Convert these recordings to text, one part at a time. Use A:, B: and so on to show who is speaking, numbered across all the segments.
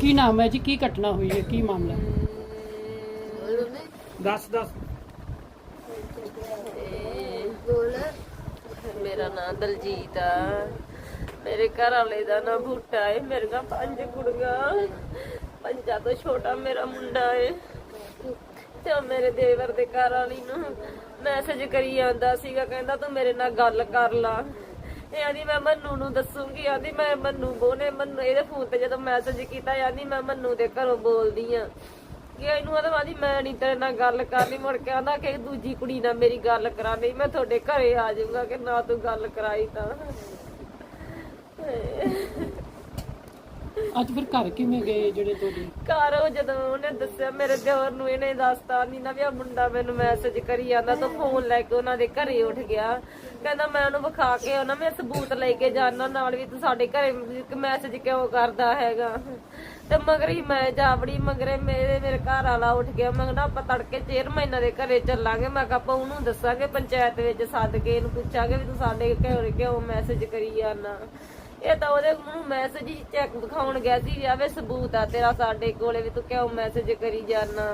A: ਕੀ ਨਾਮ ਹੈ ਜੀ, ਕੀ ਘਟਨਾ ਹੋਈ ਹੈ, ਕੀ ਮਾਮਲਾ? ਦੱਸ।
B: मेरा नाम दलजीत आ। मेरे घर वाले का नाम बूटा है। मेरे का 5 कुड़ियां, 5 तो छोटा मेरा मुंडा है। ते मेरे देवर दे घर वाली नूं मैसेज करी आंदा सीगा, कहंदा तू मेरे नाल गल कर ला। आंदी मैं मन्नू नूं दसूंगी। आंदी मैं मन्नू बोने मन्नू इहदे फोन ते जदों मैसेज कीता, आंदी मैं मन्नू दे घरों बोलदी आ कि ਇਹਨੂੰ ਆਦੀ ਮੈਂ ਨਹੀਂ ਤੇਰੇ ਨਾਲ ਗੱਲ ਕਰਨੀ। ਮੁੜ ਕੇ ਆਂਦਾ ਕਿ ਦੂਜੀ ਕੁੜੀ ਨਾਲ ਮੇਰੀ ਗੱਲ ਕਰਾ, ਨਹੀਂ ਮੈਂ ਤੁਹਾਡੇ ਘਰੇ ਆ ਜਾਊਂਗਾ ਕਿ ਨਾ ਤੂੰ ਗੱਲ ਕਰਾਈ ਤਾਂ।
A: ਅੱਜ ਫਿਰ ਘਰ ਕਿਵੇਂ ਗਏ ਜਿਹੜੇ ਤੁਹਾਡੇ
B: ਘਰ? ਉਹ ਜਦੋਂ ਉਹਨੇ ਦੱਸਿਆ ਮੇਰੇ ਦਿਓਰ ਨੂੰ, ਇਹਨੇ ਦੱਸਤਾ ਨਹੀਂ ਨਾ ਵੀ ਆ ਮੁੰਡਾ ਮੈਨੂੰ ਮੈਸੇਜ ਕਰੀ ਜਾਂਦਾ, ਤਾਂ ਫੋਨ ਲੈ ਕੇ ਉਹਨਾਂ ਦੇ ਘਰੇ ਉੱਠ ਗਿਆ। ਕਹਿੰਦਾ ਮੈਂ ਉਹਨੂੰ ਵਿਖਾ ਕੇ ਉਹਨਾਂ ਮੈਂ ਸਬੂਤ ਲੈ ਕੇ ਜਾਣਾ ਨਾਲ ਵੀ ਤੂੰ ਸਾਡੇ ਘਰੇ ਮੈਸੇਜ ਕਿਉਂ ਕਰਦਾ ਹੈਗਾ। ਤੇ ਮਗਰ ਹੀ ਮੈਂ ਜਾਵੜੀ ਮਗਰੇ ਮੇਰੇ ਘਰ ਵਾਲਾ ਉੱਠ ਗਿਆ। ਮੈਂ ਕਿਹਾ ਆਪਾਂ ਤੜਕੇ ਚੇਅਰਮੈਨਾਂ ਦੇ ਘਰੇ ਚੱਲਾਂਗੇ। ਮੈਂ ਕਿਹਾ ਆਪਾਂ ਉਹਨੂੰ ਦੱਸਾਂਗੇ, ਪੰਚਾਇਤ ਵਿੱਚ ਸੱਦ ਕੇ ਇਹਨੂੰ ਪੁੱਛਾਂਗੇ ਵੀ ਤੂੰ ਸਾਡੇ ਘਰੇ ਕਿਉਂ ਮੈਸੇਜ ਕਰੀ ਜਾਂਦਾ। ਇਹ ਤਾਂ ਉਹਦੇ ਮੈਸੇਜ ਹੀ ਚੈੱਕ ਦਿਖਾਉਣ ਗਿਆ ਸੀ ਵੀ ਆਵੇ ਸਬੂਤ ਆ ਤੇਰਾ ਸਾਡੇ ਕੋਲੇ ਵੀ ਤੂੰ ਕਿਉਂ ਮੈਸੇਜ ਕਰੀ ਜਾਣਾ।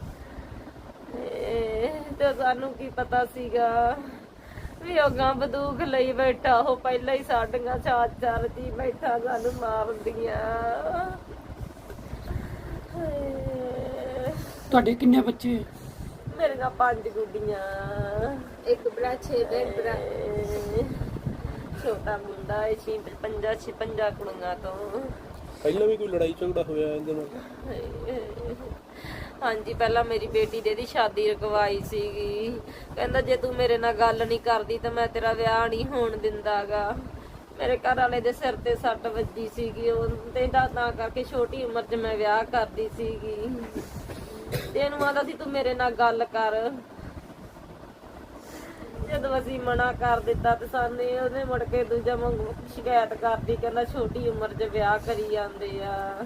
B: ਤੇ ਸਾਨੂੰ ਕੀ ਪਤਾ ਸੀਗਾ ਵੀ ਉਹ ਗਾਂ ਬੰਦੂਕ ਲਈ ਬੈਠਾ, ਉਹ ਪਹਿਲਾਂ ਹੀ ਸਾਡੀਆਂ ਚਾਰ ਜੀ ਬੈਠਾ ਸਾਨੂੰ ਮਾਰਦੀਆਂ।
A: ਤੁਹਾਡੇ ਕਿੰਨੇ ਬੱਚੇ?
B: ਮੇਰੇ ਨਾਲ 5 ਗੁੱਡੀਆਂ, 1 ਭਰਾ 6 ਭੈਣ ਭਰਾ, ਛੋਟਾ ਮੁੰਡਾ ਹੈ 56 ਕੁੜੀਆਂ ਤੋਂ।
C: ਪਹਿਲਾਂ ਵੀ ਕੋਈ ਲੜਾਈ ਝਗੜਾ ਹੋਇਆ ਇਹਦੇ ਨਾਲ?
B: ਹਾਂਜੀ, ਪਹਿਲਾਂ ਮੇਰੀ ਬੇਟੀ ਦੀ ਸ਼ਾਦੀ ਰਕਵਾਈ ਸੀਗੀ। ਕਹਿੰਦਾ ਜੇ ਤੂੰ ਮੇਰੇ ਨਾਲ ਗੱਲ ਨਹੀਂ ਕਰਦੀ ਤਾਂ ਮੈਂ ਤੇਰਾ ਵਿਆਹ ਨਹੀਂ ਹੋਣ ਦਿੰਦਾਗਾ। ਮੇਰੇ ਘਰ ਵਾਲੇ ਦੇ ਸਿਰ ਤੇ ਸੱਟ ਵੱਜੀ ਸੀਗੀ, ਉਹ ਤੇ ਤਾਂ ਕਰਕੇ ਛੋਟੀ ਉਮਰ 'ਚ ਮੈਂ ਵਿਆਹ ਕਰਦੀ ਸੀਗੀ। ਤੇ ਇਹਨੂੰ ਆਂਦਾ ਸੀ ਤੂੰ ਮੇਰੇ ਨਾਲ ਗੱਲ ਕਰ। ਜਦੋਂ ਅਸੀਂ ਮਨਾ ਕਰ ਦਿੱਤਾ ਤੇ ਸਾਨੇ ਉਹਨੇ ਮੁੜ ਕੇ ਦੂਜਾ ਵਾਂਗੂ ਸ਼ਿਕਾਇਤ ਕਰਦੀ, ਕਹਿੰਦਾ ਛੋਟੀ ਉਮਰ 'ਚ ਵਿਆਹ ਕਰੀ ਜਾਂਦੇ ਆ।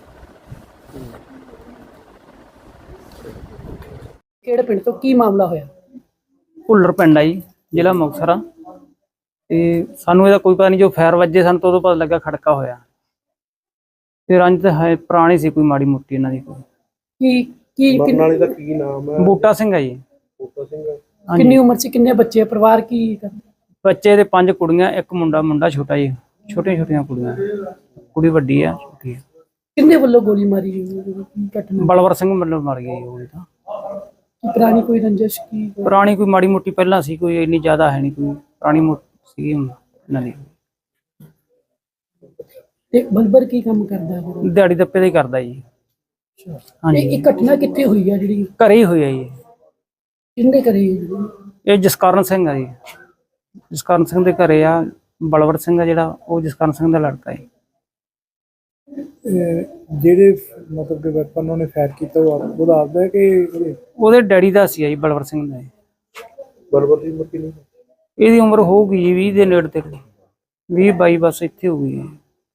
A: ਕਿਹੜੇ ਪਿੰਡ ਤੋਂ ਕੀ ਮਾਮਲਾ ਹੋਇਆ?
D: ਭੁੱਲਰ ਪਿੰਡ ਆ ਜੀ, ਜ਼ਿਲ੍ਹਾ ਮੁਕਤਸਰ ਆ। ਤੇ ਸਾਨੂੰ ਇਹਦਾ ਕੋਈ ਪਤਾ ਨਹੀਂ, ਜੋ ਫਾਇਰ ਵੱਜੇ ਸਾਨੂੰ ਤਾਂ ਉਦੋਂ ਪਤਾ ਲੱਗਾ ਖੜਕਾ ਹੋਇਆ। ਤੇ ਰੰਜ ਤਾਂ ਹੈ ਪੁਰਾਣੀ ਸੀ ਕੋਈ ਮਾੜੀ ਮੋਟੀ ਇਹਨਾਂ ਦੀ।
C: ਮਰਨ ਵਾਲੇ ਦਾ ਕੀ ਨਾਮ ਹੈ?
D: ਬੂਟਾ ਸਿੰਘ ਆ ਜੀ।
C: ਬੂਟਾ ਸਿੰਘ।
A: ਕਿੰਨੀ ਉਮਰ ਸੀ, ਕਿੰਨੇ ਬੱਚੇ, ਪਰਿਵਾਰ ਕੀ ਕਰਦੇ?
D: ਬੱਚੇ ਦੇ 5 ਕੁੜੀਆਂ, 1 ਮੁੰਡਾ ਛੋਟਾ ਜੀ। ਛੋਟੀਆਂ ਕੁੜੀਆਂ, ਕੁੜੀ ਵੱਡੀ ਆ, ਛੋਟੀ ਆ।
A: ਕਿੰਨੇ ਵੱਲੋਂ ਗੋਲੀ ਮਾਰੀ ਗਈ? ਘਟਨਾ
D: ਬਲਵਰ ਸਿੰਘ ਵੱਲੋਂ ਮਰ ਗਈ ਉਹ ਤਾਂ।
A: ਪੁਰਾਣੀ ਕੋਈ ਰੰਜਿਸ਼ ਕੀ?
D: ਪੁਰਾਣੀ ਕੋਈ ਮਾੜੀ ਮੋਟੀ ਪਹਿਲਾਂ ਸੀ, ਕੋਈ ਇੰਨੀ ਜ਼ਿਆਦਾ ਹੈ ਨਹੀਂ, ਕੋਈ ਪੁਰਾਣੀ ਮੋਟੀ ਸੀ ਇਹਨਾਂ ਦੀ।
A: ਤੇ ਬਲਬਰ ਕੀ ਕੰਮ ਕਰਦਾ ਹੈ?
D: ਦਿਹਾੜੀ ਦੱਪੇ ਦਾ ਹੀ ਕਰਦਾ ਜੀ। ਹਾਂਜੀ।
A: ਇਹ ਘਟਨਾ ਕਿੱਥੇ ਹੋਈ ਆ ਜਿਹੜੀ?
D: ਘਰੇ ਹੀ ਹੋਈ ਆ ਜੀ।
A: ਕਿੰਨੇ ਕਰੇ?
D: ਇਹ ਜਸਕਰਨ ਸਿੰਘ ਆ ਜੀ। ਜਸਕਰਨ ਸਿੰਘ ਦੇ ਘਰੇ ਆ। ਬਲਵਰ ਸਿੰਘ ਆ ਜਿਹੜਾ, ਉਹ ਜਸਕਰਨ ਸਿੰਘ ਦਾ ਲੜਕਾ ਹੈ।
C: ਜਿਹੜੇ ਮਤਲਬ ਕਿ ਵੈਪਨ ਉਹਨੇ ਫਾਇਰ ਕੀਤਾ ਉਹ ਦੱਸਦਾ ਕਿ
D: ਉਹਦੇ ਡੈਡੀ ਦਾ ਸੀ ਜੀ, ਬਲਵਰ ਸਿੰਘ ਦਾ।
C: ਬਲਬਰ ਦੀ ਉਮਰ ਕਿੰਨੀ?
D: ਇਹਦੀ ਉਮਰ ਹੋਊਗੀ ਜੀ 20 ਦੇ ਨੇੜੇ ਤੇੜੇ, 20-22 ਬਸ ਇੱਥੇ ਹੋ ਗਈ।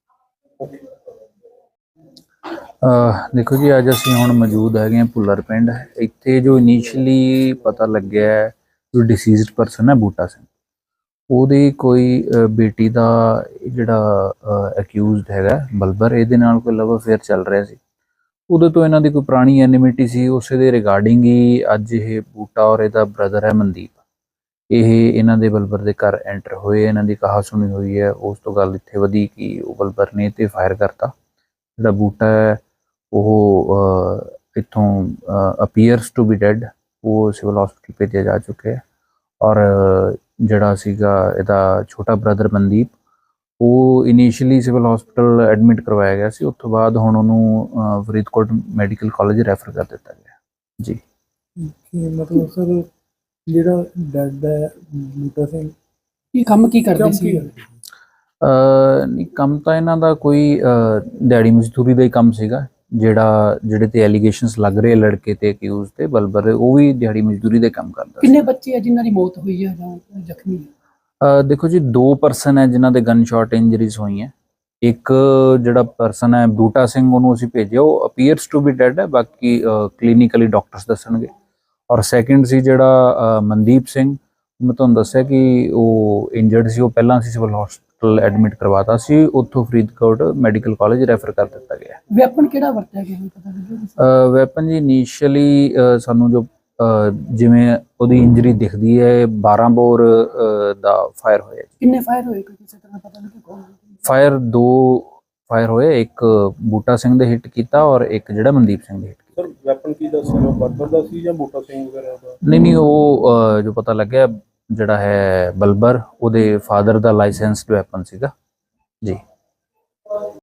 E: ਦੇਖੋ ਜੀ, ਅੱਜ ਅਸੀਂ ਹੁਣ ਮੌਜੂਦ ਹੈਗੇ ਹਾਂ ਭੁੱਲਰ ਪਿੰਡ। ਇੱਥੇ ਜੋ ਇਨੀਸ਼ੀਅਲੀ ਪਤਾ ਲੱਗਿਆ ਜੋ ਡਿਸੀਜ਼ਡ ਪਰਸਨ ਹੈ ਬੂਟਾ ਸਿੰਘ, ਉਹਦੀ ਕੋਈ ਬੇਟੀ ਦਾ ਜਿਹੜਾ ਅਕਿਊਜ਼ਡ ਹੈਗਾ ਬਲਬਰ, ਇਹਦੇ ਨਾਲ ਕੋਈ ਲਵ ਅਫੇਅਰ ਚੱਲ ਰਿਹਾ ਸੀ। ਉਦੋਂ ਤੋਂ ਇਹਨਾਂ ਦੀ ਕੋਈ ਪੁਰਾਣੀ ਐਨਿਮਿਟੀ ਸੀ। ਉਸੇ ਦੇ ਰਿਗਾਰਡਿੰਗ ਹੀ ਅੱਜ ਇਹ ਬੂਟਾ ਔਰ ਇਹਦਾ ਬ੍ਰਦਰ ਹੈ ਮਨਦੀਪ, ਇਹ ਇਹਨਾਂ ਦੇ ਬਲਬਰ ਦੇ ਘਰ ਐਂਟਰ ਹੋਏ। ਇਹਨਾਂ ਦੀ ਕਹਾ ਸੁਣੀ ਹੋਈ ਹੈ। ਉਸ ਤੋਂ ਗੱਲ ਇੱਥੇ ਵਧੀ ਕਿ ਉਹ ਬਲਬਰ ਨੇ ਤੇ ਫਾਇਰ ਕਰਤਾ। ਜਿਹੜਾ ਬੂਟਾ ਹੈ ਉਹ ਇੱਥੋਂ ਅਪੀਅਰਸ ਟੂ ਬੀ ਡੈਡ, ਉਹ ਸਿਵਲ ਹਸਪੀਟਲ ਭੇਜਿਆ ਜਾ ਚੁੱਕਿਆ ਹੈ। ਔਰ ਜਿਹੜਾ ਸੀਗਾ ਇਹਦਾ ਛੋਟਾ ਬ੍ਰਦਰ ਮਨਦੀਪ, ਉਹ ਇਨੀਸ਼ੀਅਲੀ ਸਿਵਲ ਹਸਪੀਟਲ ਐਡਮਿਟ ਕਰਵਾਇਆ ਗਿਆ ਸੀ। ਉਸ ਤੋਂ ਬਾਅਦ ਹੁਣ ਉਹਨੂੰ ਫਰੀਦਕੋਟ ਮੈਡੀਕਲ ਕਾਲਜ ਰੈਫਰ ਕਰ ਦਿੱਤਾ ਗਿਆ ਜੀ।
C: ਮਤਲਬ ਸਰ ਜਿਹੜਾ ਡੈਡ ਹੈ ਬੂਟਾ ਸਿੰਘ,
A: ਇਹ ਕੰਮ ਕੀ ਕਰਦੇ ਸੀ?
E: ਨਹੀਂ, ਕੰਮ ਤਾਂ ਇਹਨਾਂ ਦਾ ਕੋਈ ਦਿਹਾੜੀ ਮਜ਼ਦੂਰੀ ਦਾ ਹੀ ਕੰਮ ਸੀਗਾ। ਜਿਹੜੇ ਤੇ ਐਲੀਗੇਸ਼ਨਸ ਲੱਗ ਰਹੇ ਲੜਕੇ ਤੇ ਅਕਿਊਜ਼ ਤੇ ਬਲਬਰ, ਉਹ ਵੀ ਦਿਹਾੜੀ ਮਜ਼ਦੂਰੀ ਦੇ ਕੰਮ ਕਰਦਾ।
A: ਕਿੰਨੇ ਬੱਚੇ ਆ ਜਿਨ੍ਹਾਂ ਦੀ ਮੌਤ ਹੋਈ ਹੈ ਜਾਂ ਜ਼ਖਮੀ?
E: ਦੇਖੋ ਜੀ, 2 ਪਰਸਨ ਹੈ ਜਿਨ੍ਹਾਂ ਦੇ ਗਨ ਸ਼ਾਟ ਇੰਜਰੀਜ਼ ਹੋਈਆਂ। ਇੱਕ ਜਿਹੜਾ ਪਰਸਨ ਹੈ ਬੂਟਾ ਸਿੰਘ, ਉਹਨੂੰ ਅਸੀਂ ਭੇਜਿਆ, ਉਹ ਅਪੀਅਰਸ ਟੂ ਬੀ ਡੈਡ ਹੈ, ਬਾਕੀ ਕਲੀਨਿਕਲੀ ਡਾਕਟਰਸ ਦੱਸਣਗੇ। ਔਰ ਸੈਕਿੰਡ ਸੀ ਜਿਹੜਾ ਮਨਦੀਪ ਸਿੰਘ, ਮੈਂ ਤੁਹਾਨੂੰ ਦੱਸਿਆ ਕਿ ਉਹ ਇੰਜਰਡ ਸੀ, ਉਹ ਪਹਿਲਾਂ ਅਸੀਂ ਸਿਵਲ ਹਸਪੀਟਲ ਐਡਮਿਟ ਕਰਵਾਤਾ ਸੀ, ਉੱਥੋਂ ਫਰੀਦਕੋਟ ਮੈਡੀਕਲ ਕਾਲਜ ਰੈਫਰ ਕਰ ਦਿੱਤਾ ਗਿਆ।
A: ਵੈਪਨ ਕਿਹੜਾ ਵਰਤਿਆ ਗਿਆ ਪਤਾ ਲੱਗਿਆ?
E: ਵੈਪਨ ਜੀ ਇਨੀਸ਼ੀਅਲੀ ਸਾਨੂੰ ਜੋ ਜਿਵੇਂ ਉਹਦੀ ਇੰਜਰੀ ਦਿਖਦੀ ਹੈ 12 ਬੋਰ ਦਾ ਫਾਇਰ ਹੋਇਆ ਜੀ।
A: ਕਿੰਨੇ ਫਾਇਰ ਹੋਏ ਕੋਈ ਕਿਸੇ ਤਰ੍ਹਾਂ ਪਤਾ ਲੱਗਿਆ ਕੌਣ?
E: ਫਾਇਰ 2 ਫਾਇਰ ਹੋਏ, ਇੱਕ ਬੂਟਾ ਸਿੰਘ ਦੇ ਹਿੱਟ ਕੀਤਾ ਔਰ ਇੱਕ ਜਿਹੜਾ ਮਨਦੀਪ ਸਿੰਘ ਦੇ ਹਿੱਟ ਕੀਤਾ।
C: ਸਰ ਵੈਪਨ ਕੀ ਦਾ ਸੀ, ਉਹ ਬਰਬਰ ਦਾ ਸੀ ਜਾਂ ਬੂਟਾ ਸਿੰਘ ਵਗੈਰਾ ਦਾ?
E: ਨਹੀਂ ਉਹ ਜੋ ਪਤਾ ਲੱਗਿਆ ਜਿਹੜਾ ਹੈ ਬਲਬਰ, ਉਹਦੇ ਫਾਦਰ ਦਾ ਲਾਇਸੈਂਸਡ ਵੈਪਨ ਸੀਗਾ ਜੀ।